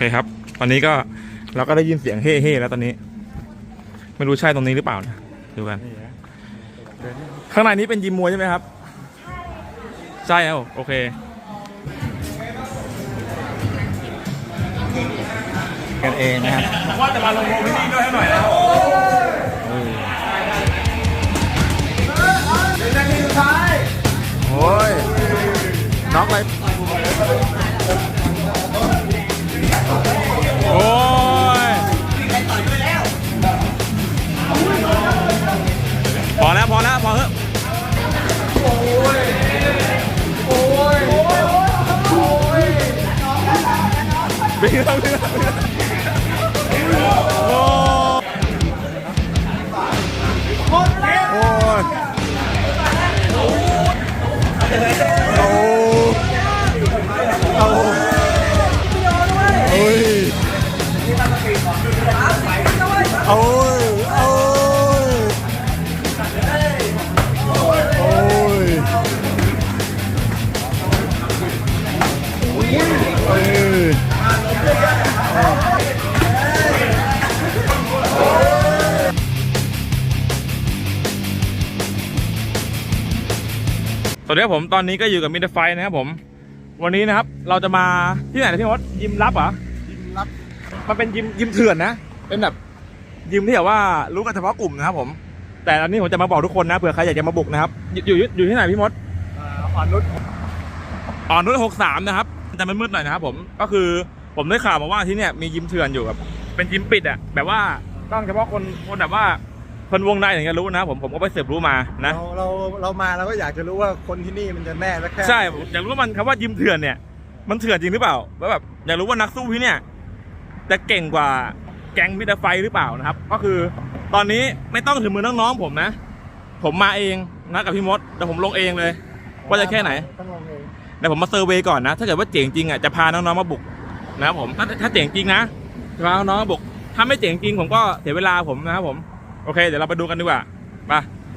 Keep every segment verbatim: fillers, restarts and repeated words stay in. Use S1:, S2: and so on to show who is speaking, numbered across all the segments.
S1: เคครับตอนนี้ก็เราก็ได้ยินเสียงเฮ่เฮ่แล้วตอนนี้ไม่รู้ใช่ตรงนี้หรือเปล่านะดูกันข้างในนี้เป็นยิมมวยใช่ไหมครับใช่เอาโอเค
S2: กันเองนะครับ
S1: ว่าจะมาลงโมพี่นี่ด้วยให้หน่อยนะเป็นนาทีสุดท้ายโอ้ยน็อกเลยโอ้ยพอแล้วพอแล้วพอเถอะโอ้ยโอ้ยโอ้ยโอ้ยเป็นแล้วเป็นแล้วโอ้โอ้ยโอ้โอ้โอ้ยโอ้ยโอ้ยโอ้ยเอ้ยสวัสดีครับผมตอนนี้ก็อยู่กับมิสเตอร์ไฟนะครับผมวันนี้นะครับเราจะมาที่ไหนนะพี่มดยิมลับเหรอยิมลับมันเป็นยิมยิมเถื่อนนะเป็นแบบยิมที่แบบว่ารู้กันเฉพาะกลุ่มนะครับผมแต่ตอนนี้ผมจะมาบอกทุกคนนะเผื่อใครอยากจะมาบุกนะครับอยู่อยู่อยู่ที่ไหนพี่มดอ่อนนุชอ่อนนุชหกสามนะครับจะมืดๆหน่อยนะครับผมก็คือผมได้ข่าวมาว่าที่เนี่ยมียิมเถื่อนอยู่ครับเป็นยิมปิดอ่ะแบบว่าต้องเฉพาะคนคนแบบว่าคนวงในถึงจะรู้นะผมผมก็ไปสืบรู้มานะ
S2: เราเราเรามาเราก็อยากจะรู้ว่าคนที่นี่มันจะแน่สักแค่
S1: ใช่อยากรู้ว่ามันคำว่ายิมเถื่อนเนี่ยมันเถื่อนจริงหรือเปล่าแล้วแบบอยากรู้ว่านักสู้ที่เนี่ยจะเก่งกว่าแก๊งมิสเตอร์ไฟหรือเปล่านะครับก็คือตอนนี้ไม่ต้องถึงมือน้องๆผมนะผมมาเองนะกับพี่มดแต่ผมลงเองเลยว่าจะแค่ไหน
S2: ต้องลงเอง
S1: แต่ผมมาเซอร์เวย์ก่อนนะถ้าเกิดว่าเจ๋งจริงอ่ะจะพาน้องๆมาบุกนะครับผมถ้าถ้าเจ๋งจริงนะจะพาน้องๆมาบุกถ้าไม่เจ๋งจริงผมก็เสียเวลาผมนะครับผมโอเคเดี๋ยวเราไปดูกันดีกว่าไป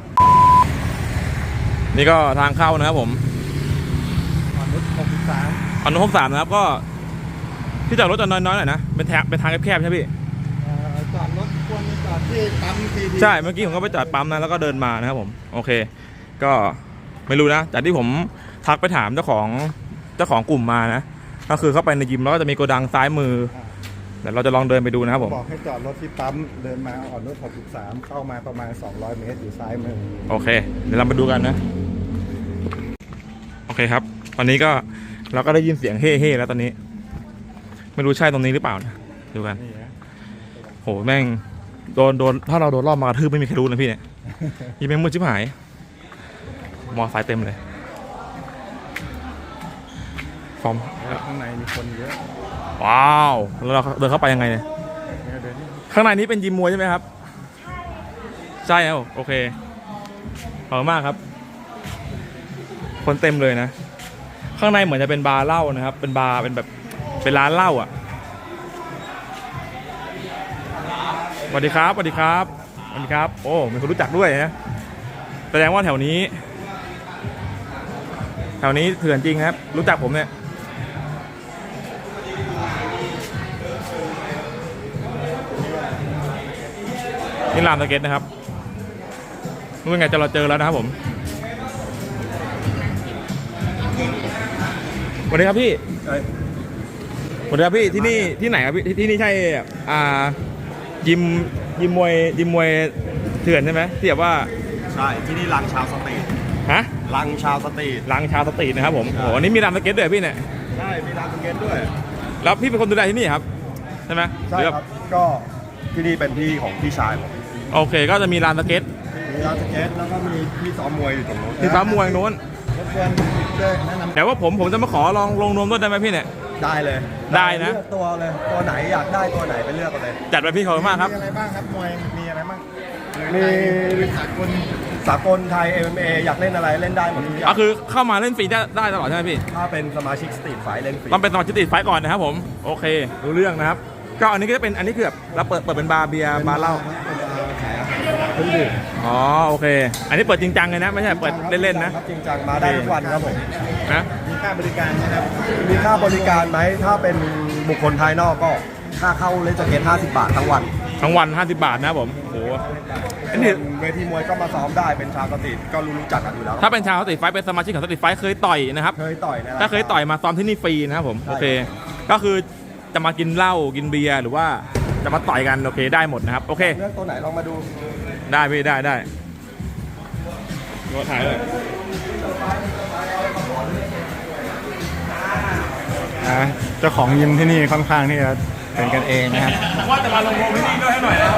S1: นี่ก็ทางเข้านะครับผม
S2: อ่อนนุชหกสาม
S1: อ่อนนุชหกสามนะครับก็ที่จอดรถจะน้อยๆหน่อยนะเป็นทางเป็นทางแคบๆใช่พี่
S2: จอดรถควรจอดที่ปั๊มทีดี
S1: ใช่เมื่อกี้ผมก็ไปจอดปั๊มนะแล้วก็เดินมานะครับผมโอเคก็ไม่รู้นะจากที่ผมทักไปถามเจ้าของเจ้าของกลุ่มมานะก็คือเข้าไปในยิมแล้วก็จะมีโกดังซ้ายมือเดี๋ยวเราจะลองเดินไปดูนะครับผม
S2: บอกให้จอดรถที่ปั๊มเดินมาอ่อนนุชหกสามเข้ามาประมาณสองร้อยเมตรอยู่ซ้ายมือ
S1: โอเคเดี๋ยวเรามาดูกันนะโอเคครับตอนนี้ก็เราก็ได้ยินเสียงเฮ่เฮ่แล้วตอนนี้ไม่รู้ใช่ตรงนี้หรือเปล่านะดูกันโหแม่งโดนโดนถ้าเราโดนรอบมากระทืบไม่มีใครรู้นะพี่เนี่ยยี่แม่งมืดชิบหายมอไซค์เต็มเลยฟอร์ม
S2: ข้างในมีคนเยอะ
S1: ว้าวแล้วเราเดินเข้าไปยังไงเนี่ยข้างในนี้เป็นยิมมวยใช่ไหมครับใช่เอาโอเคขอบคุณมากครับคนเต็มเลยนะข้างในเหมือนจะเป็นบาร์เหล้านะครับเป็นบาร์เป็นแบบเป็นร้านเหล้าอ่ะสวัสดีครับสวัสดีครับสวัสดีครับโอ้มีคนรู้จักด้วยนะแสดงว่าแถวนี้แถวนี้เถื่อนจริงครับรู้จักผมเนี่ยนี่ลานสเก็ตนะครับรู้ยังไงจะเราเจอแล้วนะครับผมสวัสดีครับพี่สวัสดีครับพี่ที่นี่ที่ไหนครับพี่ที่นี่ใช่อ่ายิมยิมมวยยิมมวยเถื่อนใช่ไหมที่แบบว่า
S2: ใช่ที่นี่ลังชาวสตรีท
S1: ฮะ
S2: ลังชาวสตรีท
S1: ลังชาวสตรีทนะครับผมโอ้โหนี่มีลานสเก็ตด้วยพี่เนี่ย
S2: ใช่มีลานสเก็ตด้วย
S1: แล้วพี่เป็นคนดูแลที่นี่ครับใช่ไหม
S2: ใช่ครับก็ที่นี่เป็นที่ของพี่ชายผม
S1: โอเคก็จะมีลานสเก็ต
S2: มีลานสเก็ตแล้วก็มีที่ซ้อมมวยอยู่ตรงนู้น
S1: ที่ซ้อมมวยโน้น
S2: รบกวนช่วยแนะนำ
S1: แต่ว่าผมผมจะมาขอลองลงนวมด้วยได้ไหมพี่เนี่ย
S2: ได้เลย
S1: ได้นะ
S2: เลือกตัวเลยตัวไหนอยากได้ตัวไหนไปเลือกกันเลย
S1: จัดไปพี่ขอบคุณมากครับ
S2: มีอะไรบ้างครับมวยมีอะไรบ้างมีสากลสากลไทย เอ็ม เอ็ม เอ อยากเล่นอะไรเล่นได้หมดทุกอย่าง
S1: ก็คือเข้ามาเล่นฟรีได้ได้ตลอดใช่ไหมพี่
S2: ถ้าเป็นสมาชิกสตรีทไฟเล่นฟรี
S1: ต้องเป็นสมาชิกสตรีทไฟก่อนนะครับผมโอเครู้เรื่องนะครับก็อันนี้ก็จะเป็นอันนี้คือแบบเราเปิดเปิดเป็นบาร์เบียร์บาร์เหล้าอ๋อโอเคอันนี้เปิดจริงจังเลยนะไม่ใช่เปิดเล่นๆนะ
S2: จริงจังมาได้ทุกวันครับผม
S1: นะ
S2: มีค่าบริการนะครับมีค่าบริการไหมถ้าเป็นบุคคลภายนอกก็ค่าเข้าเล่นสเก็ตห้าสิบบาททั้งวัน
S1: ทั้งวันห้าสิบบาทนะครับผมโอ้โหอันนี้
S2: เวทีมวยก็มาซ้อมได้เป็นชาวสตรีทก็รู้จักกันอยู่แล้ว
S1: ถ้าเป็นชาวสตรีทไฟท์เป็นสมาชิกของสตรีทไฟท์เคยต่อยนะครับ
S2: เคยต่อยนะ
S1: ถ้าเคยต่อยมาซ้อมที่นี่ฟรีนะครับผม
S2: ใช่
S1: โอเค ก็คือจะมากินเหล้ากินเบียร์หรือว่าจะมาต่อยกันโอเคได้หมดนะครับโอเค
S2: เลือกตัวไหนลองมาดู
S1: ได้พี่ได้ได้ตัวถ่ายเลย
S3: นะเจ้าของยิมที่นี่ค่อนข้างที่จะเป็นกันเองนะครับ
S1: ว่าจะมาลงโรงที่นี่ด้วยให้หน่อยนะครับ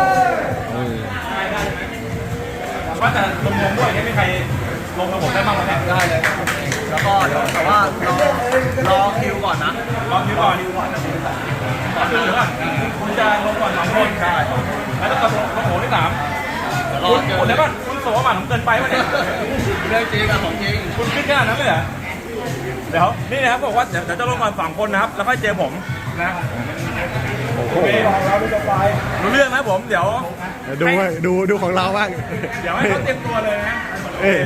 S1: ว่าจะลงโรงด้วยไม่มีใครลงกับผมได้บ้างไหมได้เลย
S4: แล้วก็เดี๋ยวแต่ว่ารอรอคิวก่อนนะ
S1: ลองคิวก่อนก่อนเดี๋ยวก่อนคุณจะลงก่อนสองคนใช่แล้วก็ลงลงโหที่สาม
S4: รอ
S1: คุณ
S4: เจอ
S1: คุณได้ป่ะคุณโสมบัติผมเกินไปป่ะเนี่ย
S4: เรื่องจริงอะของจริง
S1: คุณคิดขนาดนั้นเลยเหรอเดี๋ยวนี่นะครับบอกว่าเดี๋ยวเดี๋ยวจะลงก่อนสองคนนะครับแล้วค่อยเจอผมนะโอเครู้เรื่องนะผมเดี๋ยว
S3: เดี๋ยวดูไว้ดูดูของเราบ้าง
S1: เดี๋ยวให้เขาเตรียมตัวเลยนะ
S3: เอ้ย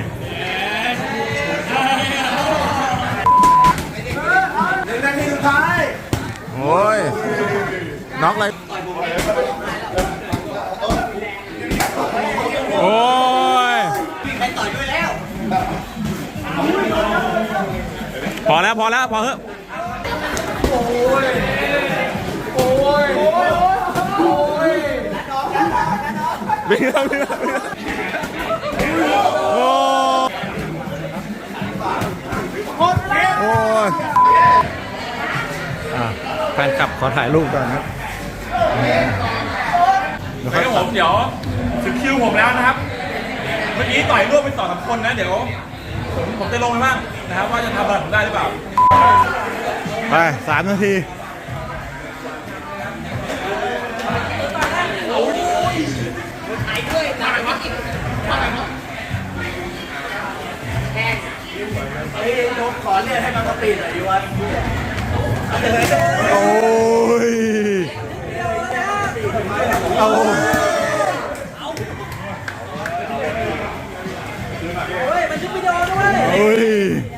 S2: หนึ่งนาทีสุดท้าย
S3: โอ้ยน็อกเลย
S1: โอ้ย
S4: มีใครต่อยด้วยแล้ว
S1: พอแล้วพอแล้วพอเถอะวิ่งแล้ววิ่งแล้ววิ่งแล้วโอ้
S3: โอ้ยอ่ะแฟนคลับขอถ่ายรูปก่อนครับเดี๋ยว
S1: เดี๋ยวผมเดี๋ยวถึงคิวผมแล้วนะครับ เมื่อกี้ต่อยร่วมไปสองสามคนนะเดี๋ยวผมผมจะลงไปบ้างนะครับว่าจะทำอะไรผมได้หรือเปล่า
S3: ไปสามนาทีโอ้ยเอาโอ้ย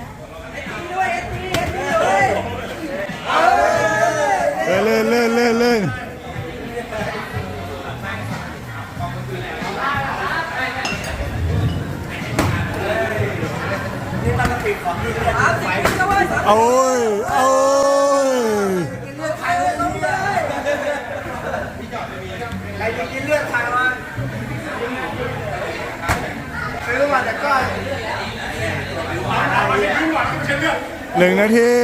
S3: เล่นเล่นเล่นเล่นโอ้ยโอ้ย
S4: ใครจะกินเลือดใครวะไม่รู้ว่าแต่ก็
S3: หนึ่งนาที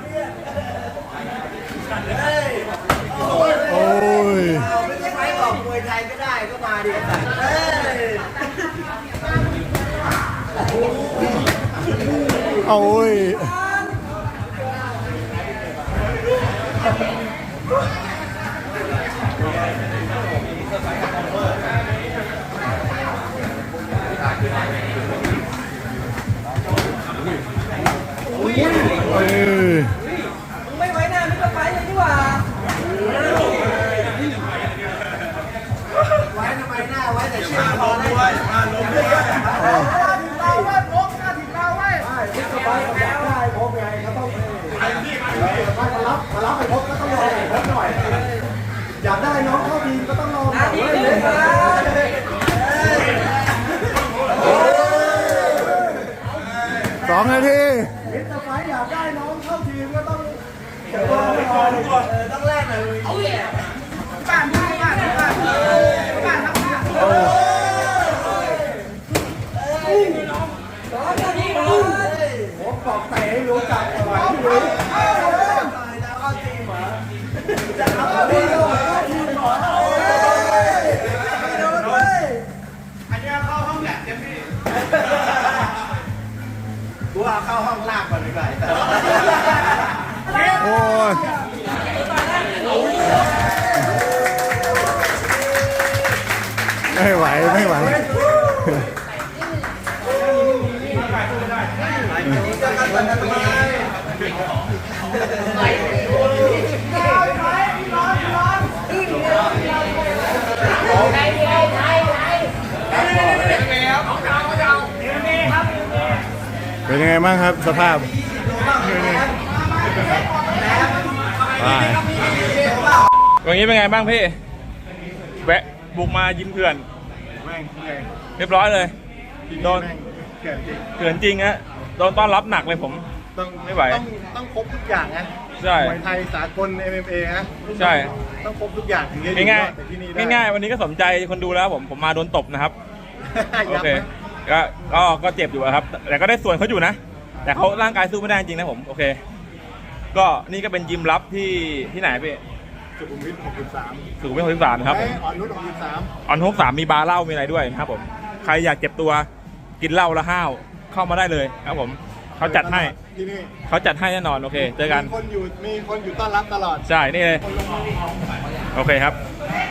S3: โอ้ย
S4: ไม่ใช่ไฟบอกมวยไทยก็ได้ก็มาดิเฮ้ย
S3: โอ้ยเอ้ย
S4: ไม่ไว้หน้าไม่ต้องไฟเลยดีกว่าไว้ทำไมหน้าไว้แต่เชื่อพอเลย
S2: อยากได้น้องเข้าทีมก็ต้องลองหน่อย
S3: สองนาที
S2: มิสเตอร์ไฟท์อยากได้น้องเข้าทีมก็ต้อง
S4: ต้องแลกหน่อยเอาแย่
S2: ผมบอกเตะให้รู้จักไว้ที่รู้ จะเอาทีมเหรอทีมเหรออันนี้เข้าห้องแลบเต็มที่กูเอาเข้าห้องลากก่อนดีกว่า
S3: โอ้ยไม่ไหวไม่ไหวเป็นยังไงบ้างครับสภาพ
S1: อย่างนี้เป็นไงบ้างพี่แวะบุกมายิมเถื่อน
S3: แม่งแม่ง
S1: เรียบร้อยเลยโดน
S3: แม่งเกิดจริง
S1: เถื่อนจริงฮะโดนต้อนรับหนักเลยผม
S3: ต้อง
S1: ไม่ไหว
S3: ต้องต้องครบทุกอย่างนะ
S1: ใช่
S3: มวยไทยสากล เอ็ม เอ็ม เอ นะ
S1: ใช่
S3: ต้องครบทุกอย่างถึงจะอยู่
S1: ง่าย
S3: รอดแต่ที่นี่ได้
S1: ๆง่ายๆวันนี้ก็สมใจคนดูแล้วผมผมมาโดนตบนะครับ โอ
S3: ยับ
S1: เค
S3: ไหม
S1: ก็ก็ก็เจ็บอยู่อะครับ แต่ก็ได้ส่วนเขาอยู่นะ แต่เขาร่างกายสู้ไม่ได้จริงนะผม โอเค ก็นี่ก็เป็นยิมลับที่ที่ไหนพี่
S3: สุขุมวิทหกสิบสาม
S1: สุขุมวิทหกสิบสามครับ
S3: เอ้ยอ่อนนุชหกสิบสาม
S1: ออนฮกสามมีบาร์เหล้ามีอะไรด้วยนะครับผม ใครอยากเจ็บตัวกินเหล้าแล้วห้าวเข้ามาได้เลยครับผม เขาจัดให้
S3: ที่นี่
S1: เขาจัดให้แน่นอน โอเค เจอกัน
S3: มีคนอยู่มีคนอยู่ต้อนรับตลอด
S1: ใช่ นี่เลย โอเคครับ